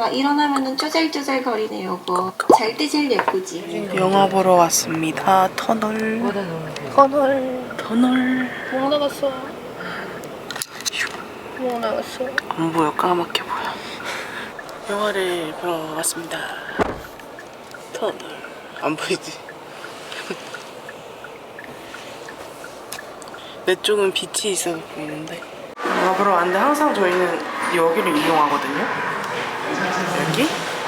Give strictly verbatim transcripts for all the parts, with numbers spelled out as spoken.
막 일어나면은 쪼잘쪼잘 거리네 요거. 잘 때 제일 예쁘지. 영화 보러 왔습니다. 터널. 터널. 터널. 뭐 나갔어? 뭐 나갔어? 안 보여. 까맣게 보여. 영화를 보러 왔습니다. 터널. 안 보이지? 내 쪽은 빛이 있어서 보이는데. 영화 보러 왔는데 항상 저희는 여기를 이용하거든요. 여기?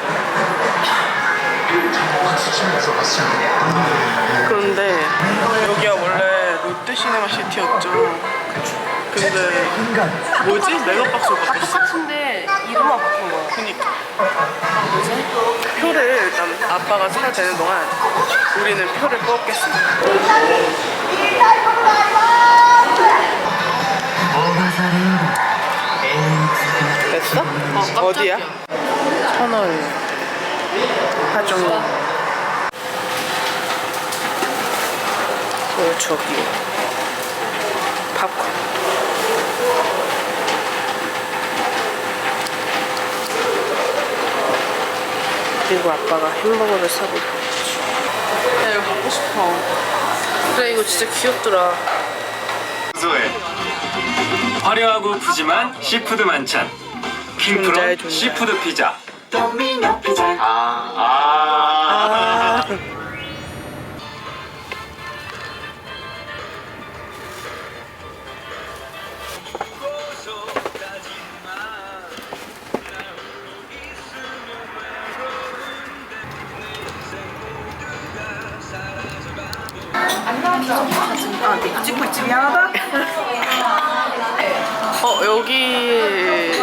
그런데 여기가 원래 롯데시네마시티였죠. 근데 뭐지? 메가박스로 바꿨어. 같은데 이름만 바꾼 거야. 그니까 뭐지? 표를 일단 아빠가 사야 되는 동안 우리는 표를 뽑겠습니다. 됐어? 어, 어디야? 터널 하종이. 어, 저기 팝콘. 그리고 아빠가 햄버거를 사고. 야, 이거 갖고 싶어. 그래, 이거 진짜 귀엽더라. 소에 화려하고 푸짐한 시푸드 만찬 존잘, 킹프롬 존잘. 시푸드 피자. 아, 아. 아. 아, 네, 찍고 있지. 미안하다. 어, 여기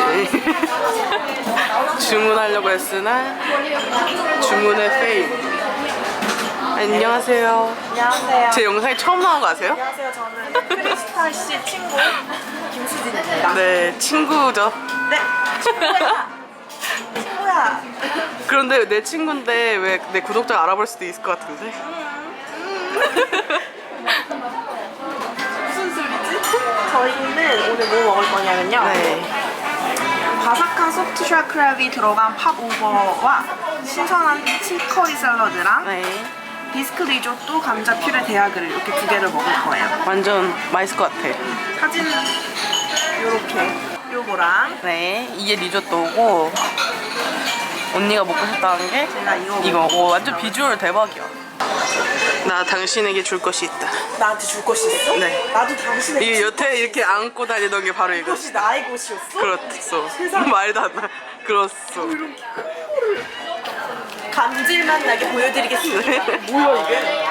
주문하려고 했으나 주문의 페일. 안녕하세요. 안녕하세요. 제 영상에 처음 나온 거 아세요? 안녕하세요. 저는 크리스탈 씨 친구 김수진입니다. 네, 친구죠. 네. 친구야. 친구야. 그런데 내 친구인데 왜 내 구독자 알아볼 수도 있을 것 같은데? 무슨 소리지? 저희는 오늘 뭐 먹을 거냐면요. 네. 바삭한 소프트 쉘 크랩이 들어간 팝오버와 신선한 치커리 샐러드랑 네. 비스크 리조또, 감자 퓨레 대하그를 이렇게 두 개를 먹을 거예요. 완전 맛있을 것 같아. 사진은 요렇게 요거랑 네. 이게 리조또고 언니가 먹고 싶다는 게 제가 이거 이거. 오, 완전 비주얼 대박이야. 나 당신에게 줄 것이 있다. 나한테 줄 것이 있어? 네. 나도 당신의 이게 여태 이렇게 안고 다니던 게 바로 이거. 이것이 나의 곳이었어? 그렇소. 세상에. 말도 안 나. 그렇소. 감질만 나게 보여드리겠습니다. 뭐야 이게?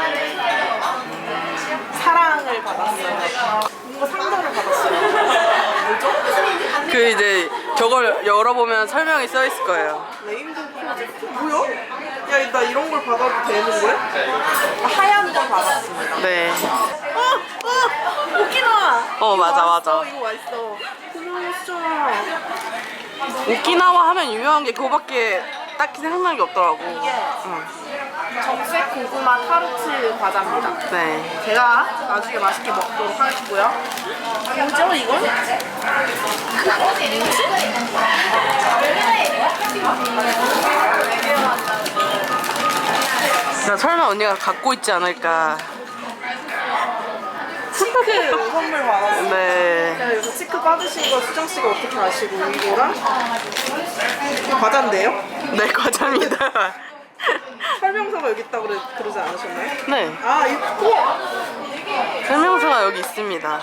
사랑을 받았어요. 뭔가 상처를 받았어요. 뭐죠? 그 이제 저걸 열어보면 설명이 써 있을 거예요. 레인보우 프로젝트? 뭐야? 야, 나 이런 걸 받아도 되는 거야? 아, 하얀 걸 받았습니다. 네. 어! 어! 오키나와! 어, 맞아, 맞아. 어, 이거 맛있어. 고마웠어. 오키나와 하면 유명한 게 그거밖에 딱히 생각나는 게 없더라고. 이게 응. 정색 고구마 타르트 과자입니다. 네. 제가 나중에 맛있게 먹도록 하겠고요. 뭐죠 이건? 나 설마 언니가 갖고 있지 않을까. 치크 선물 받았어요. 네. 제가 여기서 치크 받으신 거 수정씨가 어떻게 아시고 이거랑 이거 과자인데요? 네, 과자입니다. 설명서가 여기 있다고 그러, 그러지 않으셨나요? 네. 아 이거 설명서가 여기 있습니다.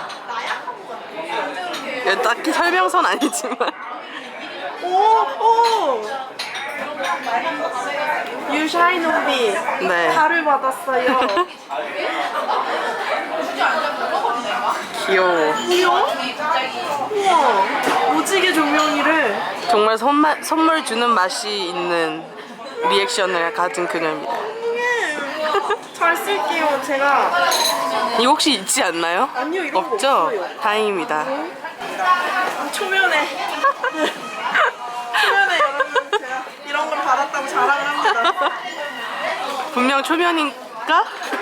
예, 딱히 설명서는 아니지만. 오! 오! 유샤이노비 네. 달을 받았어요. 귀여워. 뭐야? 우와 오지게 조명이를. 정말 선마, 선물 주는 맛이 있는 리액션을 가진 그녀입니다. 잘 쓸게요. 제가 이거 혹시 있지 않나요? 아니요, 이런 거 없죠? 없어요. 다행입니다. 초면에 초면에 여러분 제가 이런 걸 받았다고 자랑을 합니다. 분명 초면인가?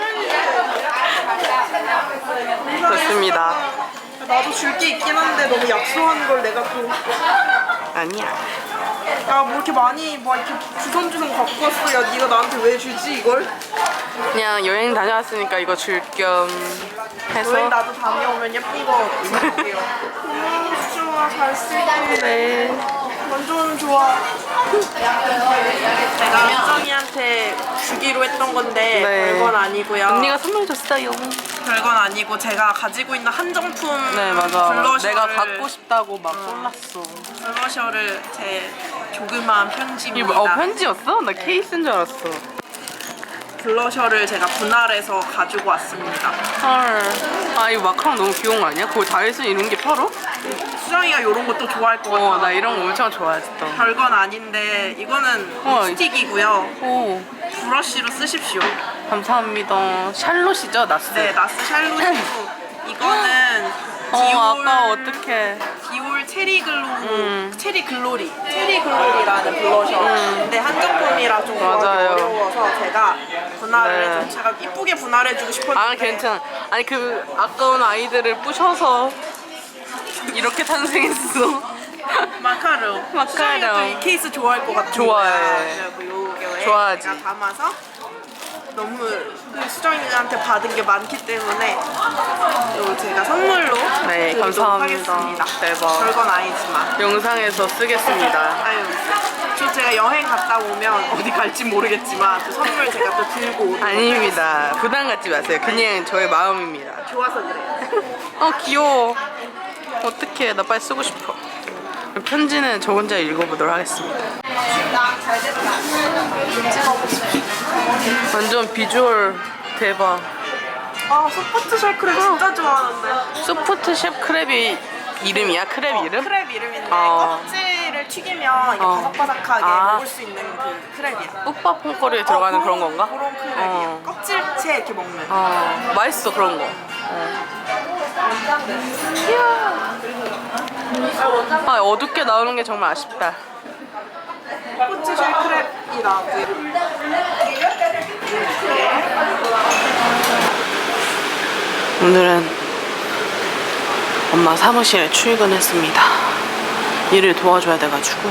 좋습니다. 나도 줄 게 있긴 한데 너무 약소한 걸 내가 또 아니야. 야, 뭐 이렇게 많이 뭐 이렇게 주섬주섬 갖고 왔어. 야, 네가 나한테 왜 주지 이걸? 그냥 여행 다녀왔으니까 이거 줄 겸 해서. 여행 나도 다녀오면 예쁜 거 입을게요. 음, 좋아, 잘 쓰고. 네. 완전 좋아. 내가 수정이한테 주기로 했던 건데 네. 별건 아니고요. 언니가 선물 줬어요. 별건 아니고 제가 가지고 있는 한정품 네 맞아. 블러셔를 내가 갖고 싶다고 막 쏠랐어. 블러셔를 제 조그마한 편지입니다. 어 편지였어? 나 케이스인 줄 알았어. 블러셔를 제가 분할해서 가지고 왔습니다. 헐. 아 이거 마카롱 너무 귀여운 거 아니야? 거기 다이슨 이런 게 팔어? 수정이가 이런 것도 좋아할 것 같아. 어 나 이런 거 엄청 좋아했어. 별건 아닌데 이거는 어, 립스틱이고요. 오 브러쉬로 쓰십시오. 감사합니다. 샬롯이죠 나스? 네, 나스 샬롯이고 이거는 어 디올 아까 어떡해. 디올 체리 글로 음. 체리 글로리 체리 글로리라는 블러셔. 근데 한정품이라 좀 구하기 맞아요. 어려워서 제가 분할을 네. 해줘. 제가 이쁘게 분할해주고 싶었는데. 아 괜찮아. 아니 그 아까운 아이들을 부셔서 이렇게 탄생했어. 마카롱. 마카롱. 수정이가 또이 케이스 좋아할 것 같아. 좋아해. 요게 좋아하지. 제가 담아서 너무 그 수정이한테 받은 게 많기 때문에 요 제가 선물로 네, 드리도록 감사합니다. 하겠습니다. 대박. 별건 아니지만. 영상에서 쓰겠습니다. 아유, 저 제가 여행 갔다 오면 어디 갈지 모르겠지만 그 선물 제가 또 들고 오도록 아닙니다. 부담 갖지 마세요. 그냥 저의 마음입니다. 좋아서 그래요. 어 귀여워. 어떡해. 나 빨리 쓰고 싶어. 편지는 저 혼자 읽어보도록 하겠습니다. 완전 비주얼 대박. 아, 소프트 셜크랩 진짜 좋아하는데. 소프트 셰프 크랩이 이름이야? 크랩 이름? 크랩 이름인데 어. 껍질을 튀기면 이게 어. 바삭바삭하게 아. 먹을 수 있는 그 크랩이야. 뽀빠 퐁꼬리에 들어가는 어, 그런 건가? 그런 크랩이야. 어. 껍질째 이렇게 먹는. 어, 맛있어 그런 거. 어. 아 어둡게 나오는 게 정말 아쉽다. 소프트 셜크랩이라고요. 오늘은 엄마 사무실에 출근했습니다. 일을 도와줘야 돼가지고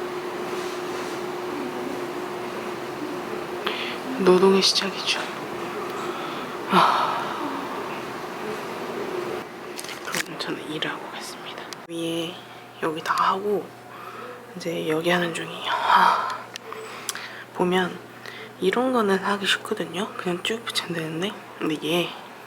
노동의 시작이죠. 아. 그럼 저는 일을 하고 가겠습니다. 위에 여기 다 하고 이제 여기 하는 중이에요. 아. 보면 이런 거는 하기 쉽거든요. 그냥 쭉 붙이면 되는데 근데 얘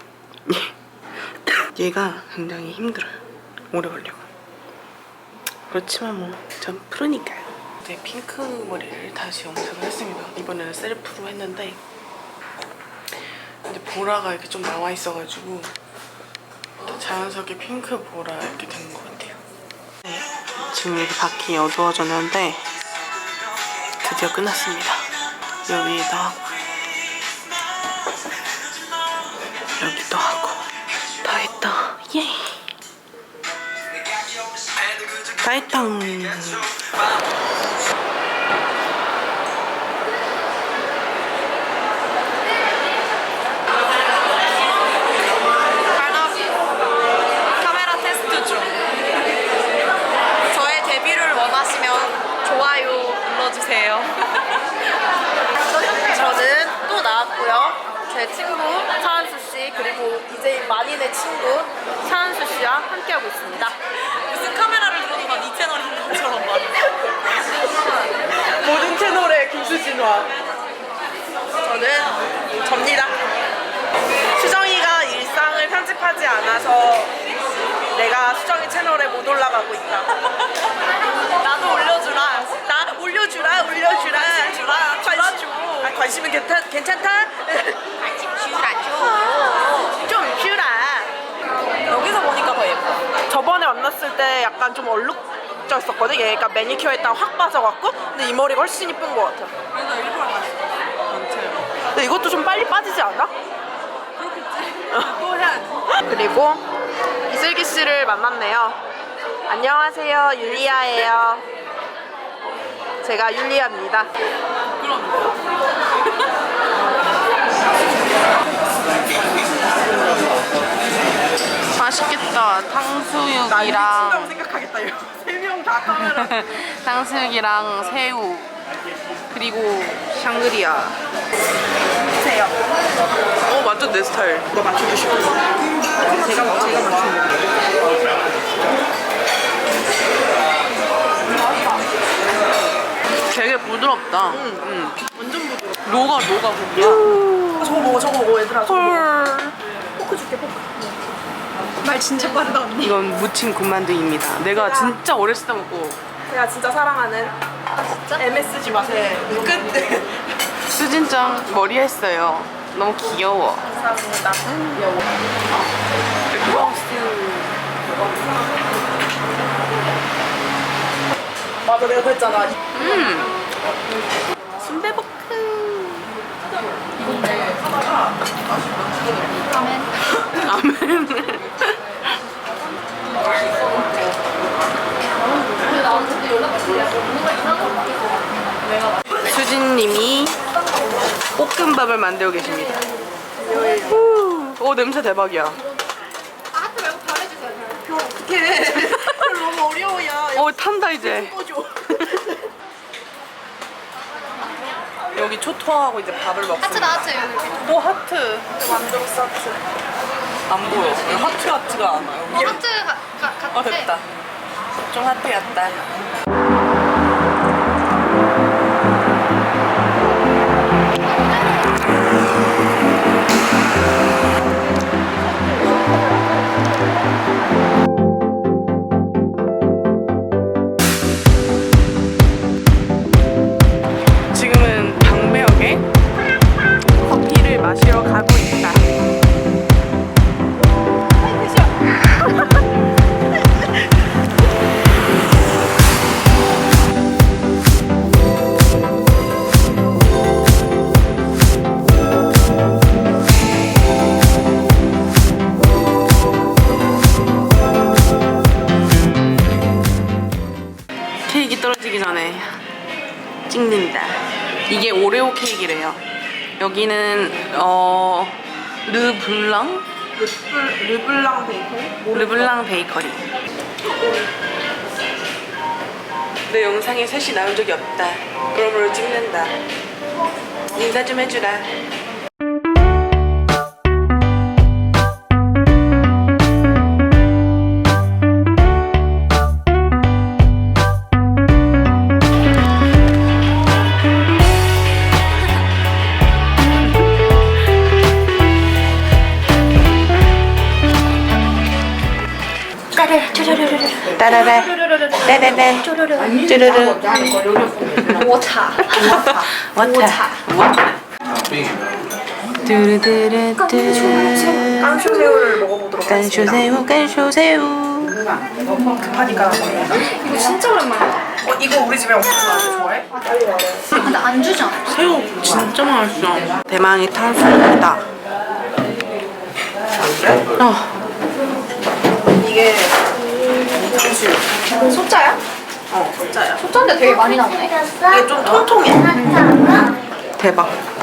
얘가 굉장히 힘들어요. 오래 걸리고. 그렇지만 뭐 전 프로니까요. 이제 핑크 머리를 다시 염색을 했습니다. 이번에는 셀프로 했는데 근데 보라가 이렇게 좀 나와 있어가지고 자연스럽게 핑크 보라 이렇게 되는 것 같아요. 네, 지금 이렇게 밖이 어두워졌는데 드디어 끝났습니다. 여기도 하고 여기도 하고 다 했다. 예. 다 했다. 카메라 테스트 중. 저의 데뷔를 원하시면 좋아요 눌러주세요. 저는 또 나왔고요. 제 친구 차한수 씨 그리고 디제이 만인의 친구 차한수 씨와 함께하고 있습니다. 무슨 카메라를 들어도 난 이 채널인 것처럼 말해. 모든 채널의 김수진화. 저는 접니다. 수정이가 일상을 편집하지 않아서 내가 수정이 채널에 못 올라가고 있다. 나도 올려주라. 나 올려주라, 올려주라. 관심 주라, 관심 주라 줘. 아, 관심은 괜찮, 괜찮다? 관심 주라 줘. 좀 주라. 여기서 보니까 더 예뻐. 저번에 만났을 때 약간 좀 얼룩졌었거든. 얘가 매니큐어 했다가 확 빠져갖고. 근데 이 머리가 훨씬 이쁜 것 같아. 그래서 일부러 갔어. 근데 이것도 좀 빨리 빠지지 않아? 또 해야지. 그리고 이슬기 씨를 만났네요. 안녕하세요, 율리아예요. 제가 율리아입니다. 맛있겠다. 나 탕수육이랑 이친다고 생각하겠다. 세 명 다 카메라. 탕수육이랑 새우 그리고 샹그리아. 주세요. 어 완전 내 스타일. 이거 맞춰주시고. 제가 제가 맞춰요. 되게 부드럽다. 응, 응. 완전 부드러워. 녹아 녹아 고기야. 아, 저거 먹어, 저거 먹어, 얘들아. 저거 먹어. 헐. 포크 줄게, 포크. 말 진짜 빠르다, 언니. 이건 무침 군만두입니다. 내가 진짜 어렸을 때 먹고 제가 진짜 사랑하는 엠에스지 맛의 끝. 수진짱 머리 했어요. 너무 귀여워. 감사합니다. 맞아, 내가 그랬잖아. 음. 순대볶음. 아멘. 수진님이 볶음밥을 만들고 계십니다. 후. 오 냄새 대박이야. 어떡해. 너무 어려워, 야. 오 탄다 이제. 꺼줘. 여기 초토하고 이제 밥을 먹습니다. 하트 나왔죠 여기. 오 하트. 만들었어, 하트. 안 보여. 하트 하트가 안 와요. 어, 하트 가, 가, 같아. 어 됐다. 좀 하트였다. 지금은 방배역에 커피를 마시러 가고 있다. 케이크 떨어지기 전에 찍는다. 이게 오레오 케이크래요. 여기는 어 르블랑 르블, 르블랑 베이컨? 르블랑 베이커리. 내 영상에 셋이 나온 적이 없다. 그러므로 찍는다. 인사 좀 해주라. 따라라 따라라 쭈르르 我茶 와타 와타 뚜르르르뚜 깐쇼새우를 먹어보도록 하겠습니다. 깐쇼새우 깐쇼새우 급하니까. 이거 진짜 오랜만이야. 어, 이거 우리 집에 없어서 아주 좋아해? 근데 안 주잖아. 새우 진짜 맛있어. 대망의 탕수육이다. 어. 이게 탕수육. 소짜야? 어, 진짜야. 소짜인데 되게 많이 나오네. 이게 좀 통통해. 대박.